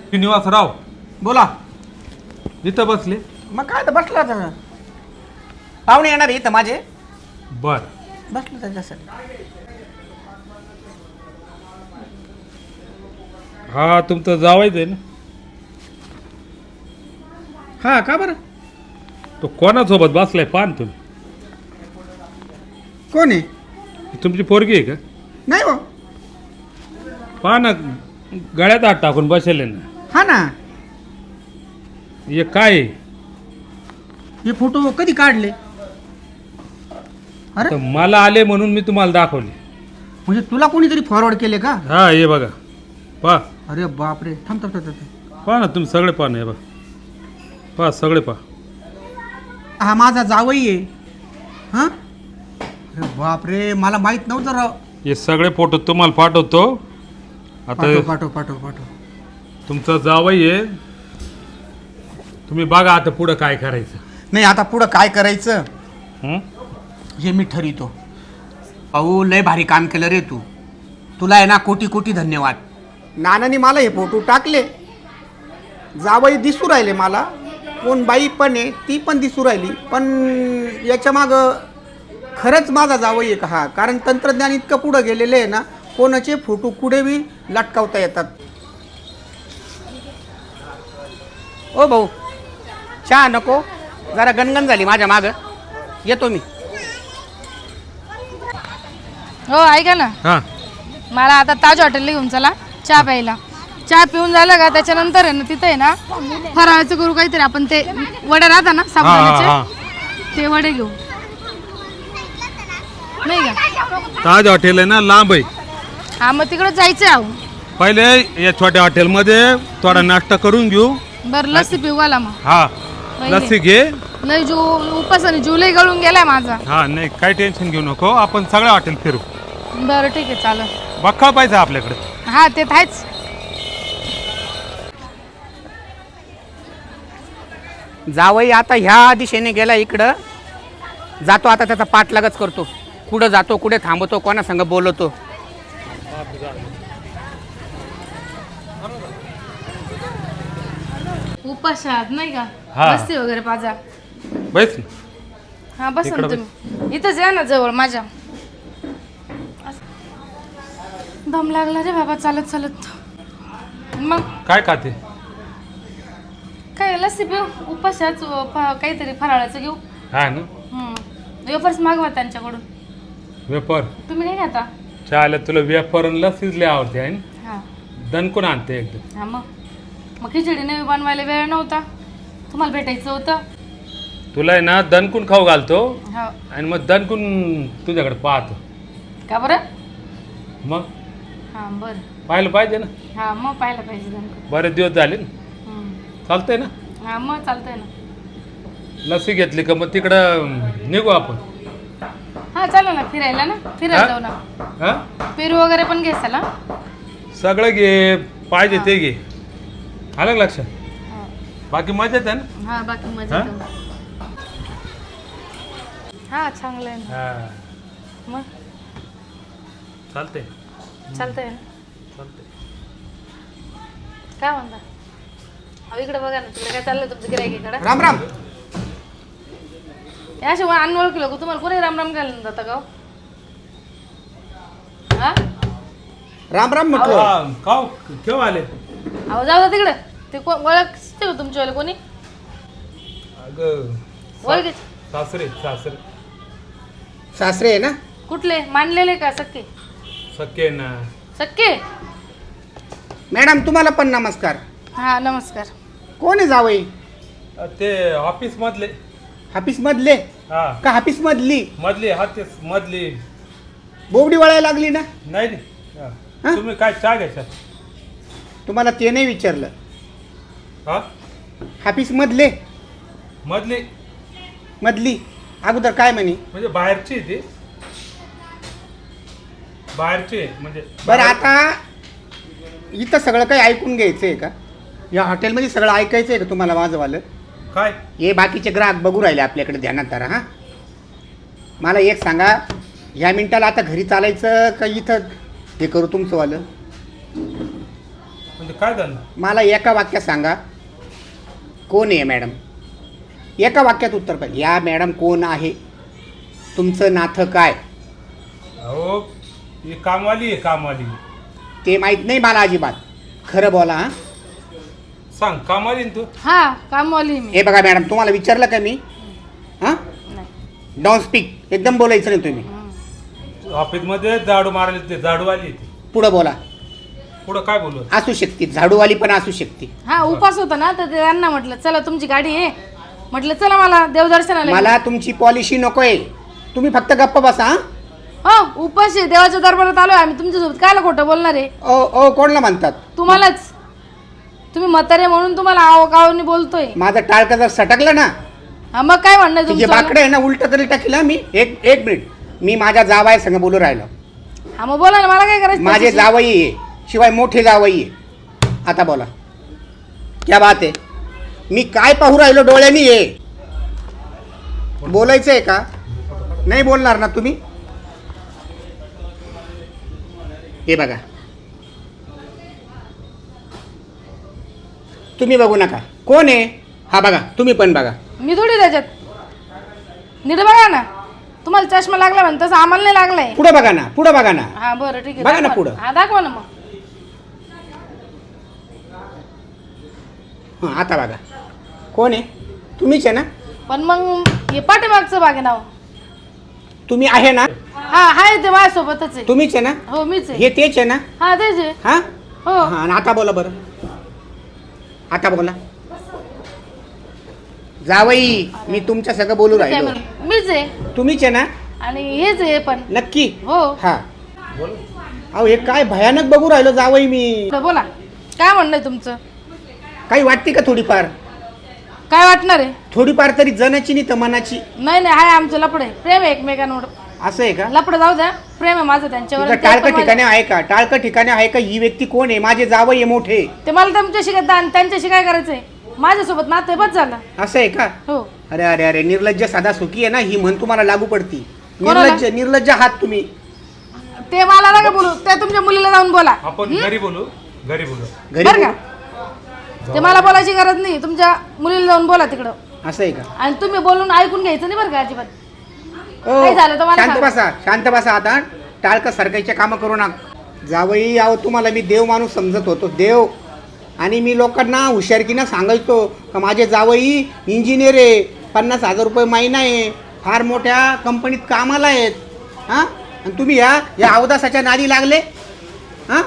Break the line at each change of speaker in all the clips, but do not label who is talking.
श्रीनिवासराव
बोला.
इथं बसले.
मग काय तर बसला तर पाहुणे येणार इथं माझे.
बर
बसलो त्याच्यासाठी.
हा तुमचं जावायचं आहे ना.
हा का बरं.
तो कोणासोबत बसलाय पाहा ना तुम्ही.
कोण आहे.
तुमची पोरगी आहे का.
नाही हो.
पहा ना गळ्यात हात टाकून बसेल ना.
हा ना.
हे काय आहे?
हे फोटो कधी काढले. अरे
तर मला आले म्हणून मी तुम्हाला दाखवले.
म्हणजे तुला कोणीतरी फॉरवर्ड केले का.
हा हे बघा पहा.
अरे बापरे. थांब थांब थांब थांब.
पहा ना तुम्ही सगळे पहा ना. हे बघा पहा सगळे पहा.
हा माझा जावई आहे. हा अरे बापरे मला माहित नव्हतं राव.
हे सगळे फोटो तुम्हाला पाठवतो. आता
पाठव पाठव पाठव पाठव.
तुमचा जावई आहे. तुम्ही बघा आता पुढं काय करायचं.
नाही आता पुढं काय करायचं
हं?
हे मी ठरवितो. अहो लय भारी काम केलं रे तू. तुला आहे ना कोटी कोटी धन्यवाद. नानाने मला हे फोटो टाकले. जावई दिसू राहिले मला. कोण बाई पण आहे ती पण दिसू राहिली. पण याच्या मागं खरंच माझा जावई आहे का हा. कारण तंत्रज्ञान इतकं पुढं गेलेलं आहे ना. कोणाचे फोटो कुठे बी लटकावता येतात. ओ भाऊ चहा नको. जरा गणगण झाली माझ्या मागं. येतो मी.
हो ऐका ना.
हा
मला आता ताज हॉटेलला घेऊन चला चहा प्यायला. चहा पिऊन झालं का त्याच्यानंतर आहे ना तिथे आहे ना फराळाचं करू काहीतरी. आपण ते वडे राहता ना
हा,
साबुदाण्याचे ते वडे घेऊ. नाही का.
ताज हॉटेल आहे ना लांब आहे.
हा मग तिकडे जायचं आहे.
पहिले या छोट्या हॉटेलमध्ये थोडा नाश्ता करून घेऊ.
बरं लस्सी पिऊ घाला मग.
हा लस्सी घे.
नाही उपासाने जुलै गळून गेलाय माझा.
हा नाही काही टेन्शन घेऊ नको. आपण सगळ्या हॉटेल फिरू.
बरं ठीक आहे चालेल.
बक्का पाहिजे आपल्याकडे.
हा ते आहेच.
जावई आता ह्या दिशेने गेला इकडं. जातो आता त्याचा पाठलागच करतो. कुठं जातो कुठे थांबतो कोणा संग बोलवतो.
उपासात नाही का
हा.
लस्सी वगैरे पाजा.
बैस ना.
हा बस ना
इकडं
तुम्ही. इथंच या ना जवळ माझ्या. दम लागला रे बाबा चालत चालत. मग
काय खाते.
काय लस्सी पिऊ. उपासाच काहीतरी फराळाचं घेऊ.
हा ना
वेफर्स मागवा त्यांच्याकडून.
वेपर
तुम्ही नाही खाता.
चालेल. तुला वेपर आणि लस्सीच लय आवडते आहे ना.
हा
दणकून आणते एकदम.
हा मग खिचडी नवी बनवायला वेळ नव्हता. तुम्हाला भेटायचं होतं.
तुला आहे ना दणकून खाऊ घालतो.
हा
आणि मग दणकून तुझ्याकडे पाहतो.
का बरं.
मग
हा बरं.
पाहिलं पाहिजे ना.
हा मग पाहायला पाहिजे त्यांना.
बरेच दिवस झाले ना. चालतंय ना.
हा मग चालतंय ना.
लस्सी घेतली का मग तिकडं निघू आपण.
हा चला ना फिरायला ना. फिरायला जाऊ ना.
हा
पेरू वगैरे पण घे चला.
सगळं घे पाहिजे
हा.
ते घे. आलं का लक्षात.
हा.
बाकी मजेत आहे ना.
हा बाकी मजा. हा चांगलं आहे ना.
हा
मग
चालतंय.
चालतंय ना.
चालतंय.
काय म्हणता. अहो इकडे बघा ना. तिकडे काय चाललंय तुमचं गिरायकीकडे.
राम राम.
असे अनओळखी लोक तुम्हाला कोणी राम राम घालून जाता का. हा
राम राम म्हटलं.
हा, खाऊ केव्हा आले.
अहो जाऊ द्या तिकडे. ते ओळख का तुमच्यावाले कोणी.
अगं
ओळख
सासरे सासरे
सासरे आहे ना.
कुठले मानलेले का सक्के.
सख्खे ना.
सक्के.
मॅडम तुम्हाला पण नमस्कार.
हा नमस्कार.
कोण आहे जावई.
ते ऑफिस मधले.
हाफिस मधले
हा
का हाफिस मधली.
मधली हा तेच मधली.
बोबडी वळायला लागली ना.
नाही नाही. हा.
हा?
तुम्ही काय चहा घ्यायचा.
तुम्हाला ते नाही विचारलं.
हा
हाफिस मधले
मधली
मधली अगोदर काय म्हणे.
म्हणजे बाहेरची आहे ती. बाहेरची आहे म्हणजे.
बरं आता इथं सगळं काही ऐकून घ्यायचं आहे का. या हॉटेलमध्ये सगळं ऐकायचं आहे का तुम्हाला माझंवालं.
काय
हे बाकीचे ग्राहक बघू राहिले आपल्याकडे ध्यानात धरा. हां मला एक सांगा. ह्या मिनिटाला आता घरी चालायचं का इथं हे करू तुमचंवालं.
म्हणजे काय झालं?
मला एका वाक्यात सांगा, कोण आहे मॅडम? एका वाक्यात उत्तर पाहिजे. या मॅडम कोण आहे? तुमचं नातं काय?
अहो ही कामवाली आहे, कामवाली.
ते माहीत नाही मला अजिबात. खरं बोला हां.
सांग, कामवाली ना तू?
हा कामवाली आहे मी.
हे बघा मॅडम, तुम्हाला विचारलं का मी? हां,
नाही.
Don't speak. एकदम बोलायचं नाही तुम्ही.
ऑफिसमध्ये झाडू मारायला ते झाडूवाली आहे ती.
पुढं बोला.
पुढं काय बोलू?
असू शकते, झाडूवाली पण असू शकते.
हा उपास होता ना, तर त्यांना म्हटलं चला तुमची गाडी आहे, म्हटलं चला मला देवदर्शनाला
मला तुमची पॉलिसी नकोय. तुम्ही फक्त गप्प बसा. हां,
हो उपास आहे, देवाच्या दरबारात आलोय आम्ही तुमच्यासोबत. कायला खोटं बोलणार आहे?
ओ ओ कोणला म्हणतात?
तुम्हालाच. तुम्ही म्हातारे म्हणून तुम्हाला आव गावनी बोलतोय.
माझं टाळकं जर सटकलं ना,
हा मग काय म्हणणं
तुझे
तुमचं?
बाकडे आहे ना, उलट तरी टाकीला मी. एक मिनिट, मी माझ्या जावाय संग बोलू राहिलो.
हा मग बोला ना, मला काय करायचं
माझे
त्याच्याशी?
जावई आहे, शिवाय मोठे जावई आहे. आता बोला, क्या बात आहे? मी काय पाहू राहिलो डोळ्यांनी? ये बोलायचं आहे का? नाही बोलणार ना तुम्ही? हे बघा, तुम्ही बघू नका. कोण आहे हा? बघा, तुम्ही पण बघा.
मी थोडी त्याच्यात. नीट बघा ना, तुम्हाला चष्मा लागला म्हणून तसं आम्हाला नाही लागलाय.
पुढं बघा ना, पुढं बघा ना.
हा बरं ठीक आहे,
बघा ना
दाखवा.
पुढं.
हा दाखवा ना मग.
हां, आता बघा. कोण आहे? तुम्हीच आहे ना?
पण मग हे पाठीमागचं बागे नाव.
तुम्ही आहे ना?
हा हाय ते माझ्यासोबतच आहे.
तुम्हीच आहे ना?
हो मीच आहे.
हे तेच आहे ना?
हा तेच आहे.
हा
हो
हा. आणि आता बोला बरं, आता बोला. जावई, मी तुमच्या सगळं बोलू राहिलो.
मीच आहे
तुम्हीच आहे ना?
आणि हेच आहे पण.
नक्की?
हो
हा.
बोल.
अहो हे काय भयानक बघू राहिलो जावई मी.
बोला काय म्हणणं आहे तुमचं?
काही वाटते का थोडीफार?
काय वाटणार आहे?
थोडीफार तरी जनाची नाही तर मनाची.
नाही नाही हाय आमचं लपड आहे, प्रेम आहे एकमेकांवर.
असं आहे का?
लपड जाऊ द्या, प्रेम आहे माझं त्यांच्यावर.
तुझं
आणि ते पण
टाळकं ठिकाणी आहे का? टाळकं ठिकाणी आहे का? ही व्यक्ती कोण आहे? माझे जावई आहे मोठे.
ते मला तुमच्याशी त्यांच्याशी काय करायचंय? माझ्यासोबत नातं बस झालं.
असं आहे का?
हो
अरे अरे अरे, निर्लज्ज साधा सुखी आहे ना, ही म्हण तुम्हाला लागू पडती.
कोणाला?
निर्लज्ज निर्लज्ज आहात तुम्ही.
ते मला नका बोलू, त्या तुमच्या मुलीला जाऊन बोला.
आपण घरी बोलू, घरी बोलू.
घरी
बरं का?
बोलू.
ते मला बोलायची गरज नाही, तुमच्या मुलीला जाऊन बोला तिकडं.
असं आहे का?
आणि तुम्ही बोलून ऐकून घ्यायचं नाही बरं का अजिबात.
ओ,
काय झालं तर मला
शांत
सांगा.
बसा, शांत बसा. आता टाळकं सरकायचे कामं करू नका. जावई, आहो तुम्हाला मी देव माणूस समजत होतो, देव. आणि मी लोकांना हुशारकीनं सांगायचो का माझे जावई इंजिनियर आहे, 50,000 रुपये महिना आहे, फार मोठ्या कंपनीत कामाला आहेत. हां, आणि तुम्ही या अवदासाच्या नादी लागले. हां,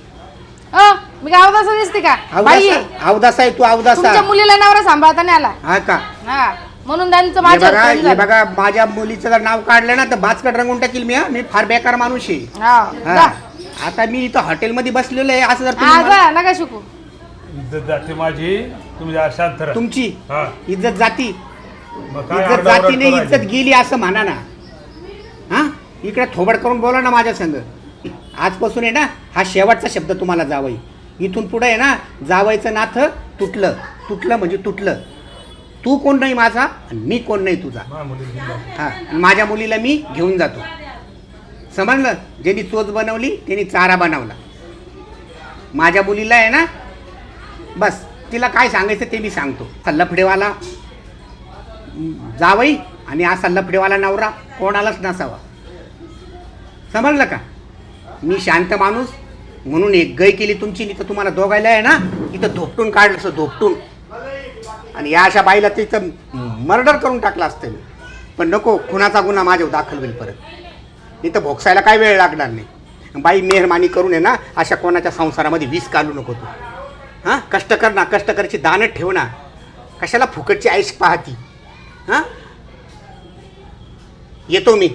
मी काय अवदासा दिसते का? बाई आहे.
अवदासा आहे तू, अवदासा.
तुमच्या मुलीला नवरा सांभाळता नाही आला.
हा का?
हा म्हणून त्यांचं
हे
माझ्यावर
बघा,
प्रेम
हे
झालं.
बघा, माझ्या मुलीचं जर नाव काढलं ना तर बाचकट रंगून टाकील मी. मी फार बेकार माणूस आहे.
हा
हा.
जा.
आता मी इथं हॉटेलमध्ये बसलेलो आहे. असं जर
हा
तुम्ही मला-
जा, नका शिकू.
इज्जत जाते माझी, तुम्ही जरा शांत राहा.
तुमची
हा.
इज्जत जाती,
मग काय
इज्जत
आरडाओरड
जाती नाही,
करायची?
इज्जत गेली असं म्हणा ना. हा, इकडे थोबड करून बोला ना माझ्या संग. आजपासून आहे ना, हा शेवटचा शब्द तुम्हाला जावई. इथून पुढे आहे ना, जावईचं नातं तुटलं. तुटलं म्हणजे तुटलं. तू कोण नाही माझा आणि मी कोण नाही तुझा.
माझ्या मुलीला घेऊन जा.
हा, माझ्या मुलीला मी घेऊन जातो. समजलं? ज्यांनी चोच बनवली त्यांनी चारा बनवला. माझ्या मुलीला आहे ना, बस तिला काय सांगायचं ते मी सांगतो. असा लफडेवाला जावई आणि असा लफडेवाला नवरा कोणालाच नसावा. समजलं का? मी शांत माणूस म्हणून एक गय केली तुमची. नाही तर तुम्हाला दोघायला आहे ना इथं धोपटून काढलं असं, धोपटून. आणि या अशा बाईला तिथं मर्डर करून टाकलं असतं मी. पण नको, खुनाचा गुन्हा माझ्यावर दाखल होईल परत. इथं भोगसायला काय वेळ लागणार नाही. बाई मेहरबानी करून आहे ना, अशा कोणाच्या संसारामध्ये विष घालू नको तू. हां, कष्ट कर ना, कष्ट करायची दानत ठेव ना. कशाला फुकटची आईश पाहती. हां, येतो मी.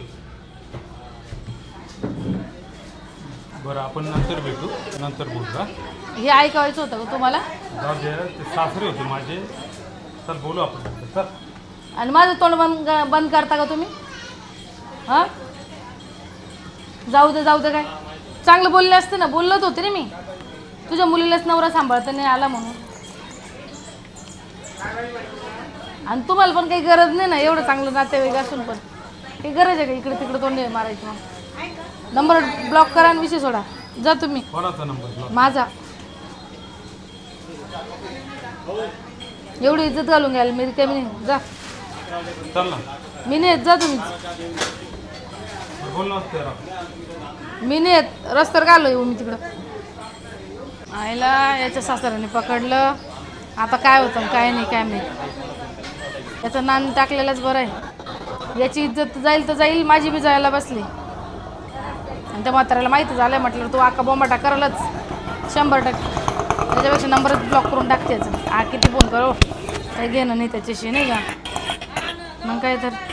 बरं, आपण नंतर भेटू, नंतर बोलू. हा?
हे ऐकायचं होतं का तुम्हाला?
जाऊ दे, ते सासरे होते माझे. चल बोलू आपण नंतर. चल.
आणि माझं तोंड बंद करता का तुम्ही? हा जाऊ दे काय चांगलं बोलले असते ना. बोलत होते रे मी, तुझ्या मुलीलाच नवरा सांभाळता नाही आला म्हणून. आणि तुम्हाला पण काही गरज नाही ना एवढं चांगलं नातेवाईक असून पण. काही गरज आहे का इकडे तिकडे तोंड मारायची? मग नंबर ब्लॉक करा आणि विषय सोडा. जा तुम्ही.
कोणाचा नंबर?
माझा. एवढी इज्जत घालून घ्याल मी रिकामी नाही. जा
चल ना
मी नाही येत, जा तुम्ही.
बोल ना त्याला.
मी नाही येत, रस्त्यावर घालो येऊ मी तिकडं. आईला याच्या सासऱ्याने पकडलं. आता काय होतं काय नाही काय माहिती. याचं नान टाकलेलंच बरं आहे. याची इज्जत जाईल तर जाईल, माझी बी जायला बसली. आणि त्या म्हाताऱ्याला माहिती झालं म्हटलं तू आका बोंबाटा करलच 100%. त्याच्यापेक्षा नंबरच ब्लॉक करून टाकते याचं. किती फोन करो काही घेणं नाही त्याच्याशी नाही का. मग काय तर